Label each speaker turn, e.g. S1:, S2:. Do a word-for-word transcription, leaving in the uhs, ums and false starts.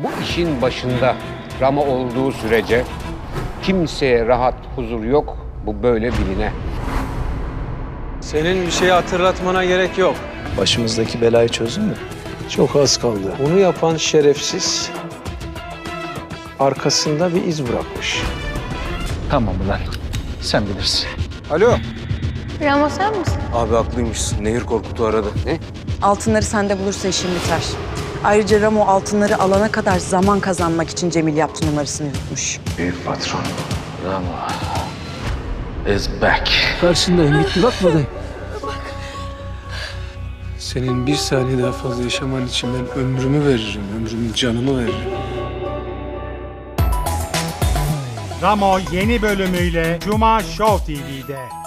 S1: Bu işin başında Ramo olduğu sürece kimseye rahat, huzur yok. Bu böyle biline.
S2: Senin bir şeyi hatırlatmana gerek yok.
S3: Başımızdaki belayı çözdün mü?
S2: Çok az kaldı. Bunu yapan şerefsiz arkasında bir iz bırakmış.
S3: Tamam ulan. Sen bilirsin.
S4: Alo.
S5: Ramo sen misin?
S4: Abi haklıymış. Nehir Korkut'u aradı.
S1: Ne?
S6: Altınları sende bulursa işin biter. Ayrıca Ramo altınları alana kadar zaman kazanmak için Cemil yaptı numarasını yutmuş.
S3: Büyük patron. Ramo is back.
S2: Karşındayım, bitti bak buradayım. Senin bir saniye daha fazla yaşaman için ben ömrümü veririm, ömrümün canımı veririm.
S7: Ramo yeni bölümüyle Cuma Show T V'de.